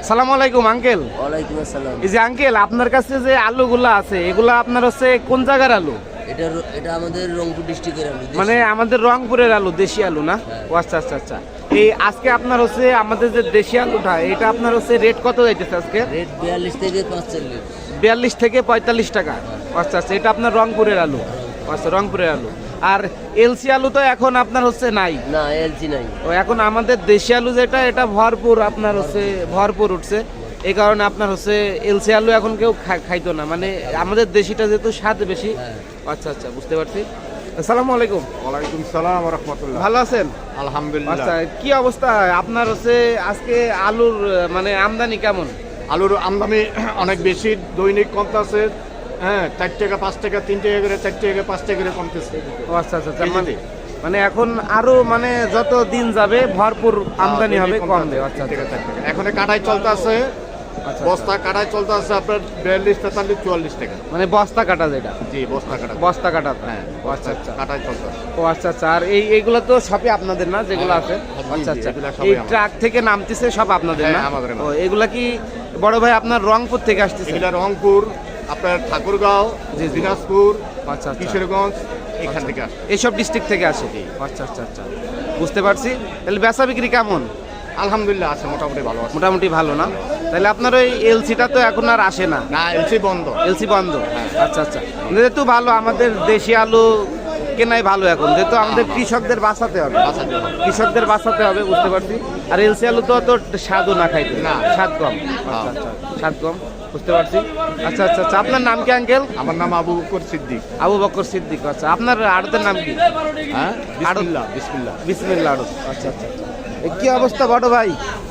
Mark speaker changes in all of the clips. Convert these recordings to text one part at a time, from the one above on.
Speaker 1: সালাম আলাইকুম আঙ্কেল।
Speaker 2: ওয়ালাইকুম আসসালাম।
Speaker 1: এই যে আঙ্কেল, আপনার কাছে যে আলুগুলা আছে এগুলা আপনার হচ্ছে কোন জায়গার আলু?
Speaker 2: এটা আমাদের রংপুর ডিস্ট্রিক্টের আলু,
Speaker 1: মানে আমাদের রংপুরের আলু, দেশি আলু না? ও আচ্ছা আচ্ছা আচ্ছা। এই আজকে আপনার হচ্ছে আমাদের যে দেশি আলুটা, এটা আপনার হচ্ছে রেট কত যাইতেছে আজকে?
Speaker 2: রেট 42 থেকে 45।
Speaker 1: 42 থেকে 45 টাকা। আচ্ছা আচ্ছা, এটা আপনার রংপুরের আলু। আচ্ছা, রংপুরের আলু। আর এলসি আলু তো এখন আপনার হচ্ছে নাই?
Speaker 2: না, এলসি নাই।
Speaker 1: ও এখন আমাদের দেশি আলু যেটা, এটা ভরপুর আপনার হচ্ছে ভরপুর উঠছে। এই কারণে আপনার হচ্ছে এলসি আলু এখন কেউ খাইতো না, মানে আমাদের দেশিটা যেহেতু স্বাদ বেশি। আচ্ছা আচ্ছা, বুঝতে পারছি। আসসালামু আলাইকুম।
Speaker 3: ওয়ালাইকুম সালাম ওয়া রাহমাতুল্লাহ।
Speaker 1: ভালো আছেন?
Speaker 3: আলহামদুলিল্লাহ।
Speaker 1: আচ্ছা, কি অবস্থা আপনার হচ্ছে আজকে আলুর মানে আমদানি কেমন?
Speaker 3: আলুর আমদানি অনেক বেশি, দৈনিক কমতেছে। হ্যাঁ, 4 টাকা 5 টাকা 3 টাকা করে 4 টাকা 5 টাকা করে কমতেছে।
Speaker 1: ও আচ্ছা আচ্ছা, মানে এখন আরো মানে যত দিন যাবে ভরপুর আমদানি হবে, কমবে। আচ্ছা আচ্ছা,
Speaker 3: এখন কাটাই চলতেছে,
Speaker 1: আচ্ছা,
Speaker 3: বস্তা কাটাই চলতেছে আপনার 42 43 44 টাকা।
Speaker 1: মানে বস্তা কাটা যেটা?
Speaker 3: জি, বস্তা কাটা।
Speaker 1: বস্তা কাটা,
Speaker 3: হ্যাঁ,
Speaker 1: ও আচ্ছা আচ্ছা,
Speaker 3: কাটাই চলতেছে।
Speaker 1: ও আচ্ছা আচ্ছা। আর এইগুলো তো সবই আপনাদের না যেগুলো আছে? আচ্ছা আচ্ছা, এই ট্রাক থেকে নামতেছে সব আপনাদের না?
Speaker 3: আমাদের।
Speaker 1: ও, এগুলা কি বড় ভাই আপনার রংপুর থেকে আসতেছে?
Speaker 3: এগুলা রংপুর, আপনার ঠাকুরগাঁও, দিনাজপুর,
Speaker 1: আচ্ছা আচ্ছা,
Speaker 3: কিশোরগঞ্জ, এখান থেকে আসে।
Speaker 1: এইসব ডিস্ট্রিক্ট থেকে আসে? আচ্ছা আচ্ছা আচ্ছা, বুঝতে পারছি। তাহলে বেচা বিক্রি কেমন?
Speaker 3: আলহামদুলিল্লাহ আছে, মোটামুটি ভালো আছে।
Speaker 1: মোটামুটি ভালো না? তাহলে আপনার ওই এলসিটা তো এখন আর আসে না?
Speaker 3: না, এলসি বন্ধ।
Speaker 1: এলসি বন্ধ, আচ্ছা আচ্ছা। যেহেতু ভালো, আমাদের দেশি আলু কেনাই ভালো এখন, যেহেতু আমাদের কৃষকদের বাঁচাতে হবে, কৃষকদের বাঁচাতে হবে, বুঝতে পারছি। আর এলসি আলু তো স্বাদও না খাইতে,
Speaker 3: না,
Speaker 1: স্বাদ কম। আচ্ছা আচ্ছা, স্বাদ কম, বুঝতে পারছি। আচ্ছা আচ্ছা আচ্ছা, আপনার নাম কি আঙ্কেল?
Speaker 3: আমার নাম আবু বকর সিদ্দিক।
Speaker 1: আবু বকর সিদ্দিক। আচ্ছা, আপনার আড়তের নাম কি?
Speaker 3: হ্যাঁ, বিসমিল্লাহ। বিসমিল্লাহ
Speaker 1: বিসমিল্লাহ আড়ত। আচ্ছা আচ্ছা আচ্ছা। কি অবস্থা বড় ভাই?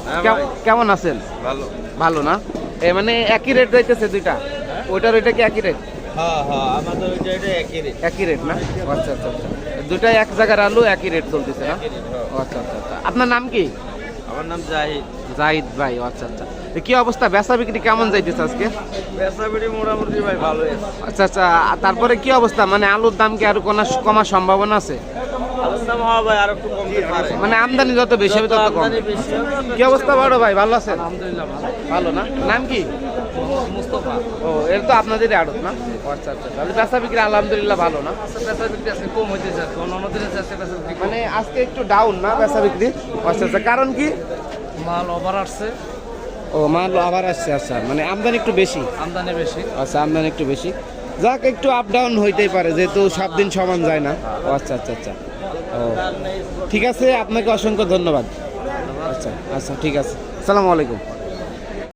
Speaker 1: কেমন আছেন?
Speaker 3: ভালো।
Speaker 1: ভালো না? মানে একই রেট যাইতেছে দুইটা? ওইটার ওইটা কি একই রেট?
Speaker 2: হ্যাঁ হ্যাঁ, আমাদের ওইটা একই রেট।
Speaker 1: একই রেট না? আচ্ছা আচ্ছা আচ্ছা, দুটাই এক জায়গার আলু, একই রেট চলতেছে না? আচ্ছা আচ্ছা আচ্ছা। আপনার নাম কি?
Speaker 2: আমার নাম জাহিদ।
Speaker 1: জাহিদ ভাই, আচ্ছা আচ্ছা। কি অবস্থা, বেচা বিক্রি কেমন যাইতেছে আজকে?
Speaker 2: বেচা বিক্রি মোটামুটি ভাই ভালোই আছে।
Speaker 1: আচ্ছা আচ্ছা, তারপরে কি অবস্থা, মানে আলুর দাম কি আরো কমার সম্ভাবনা আছে?
Speaker 2: আলুর দাম হওয়া ভাই আর একটু কমতে পারে,
Speaker 1: মানে আমদানি যত বেশি হবে তত কম। কি অবস্থা বড় ভাই, ভালো আছেন?
Speaker 2: আলহামদুলিল্লাহ
Speaker 1: ভালো না? নাম কি?
Speaker 2: মুস্তফা।
Speaker 1: ও, এর তো আপনাদেরই আড়ত না? আচ্ছা আচ্ছা, তাহলে বেচা বিক্রি আলহামদুলিল্লাহ ভালো না?
Speaker 2: বেচা বিক্রি আছে কম হইতেছে, অন্য দিনের চাষে বেচা বিক্রি
Speaker 1: মানে আজকে একটু ডাউন না বেচা বিক্রি? আচ্ছা আচ্ছা, কারণ কি?
Speaker 2: মাল ওভার আসছে।
Speaker 1: ও, মাল আবার আসছে। আচ্ছা, মানে আমদানি একটু বেশি?
Speaker 2: আমদানি বেশি।
Speaker 1: আচ্ছা, আমদানি একটু বেশি, যাক একটু আপ ডাউন হইতেই পারে, যেহেতু সব দিন সমান যায় না। ও আচ্ছা আচ্ছা আচ্ছা, ও ঠিক আছে, আপনাকে অসংখ্য ধন্যবাদ। আচ্ছা আচ্ছা, ঠিক আছে, আসসালামু আলাইকুম।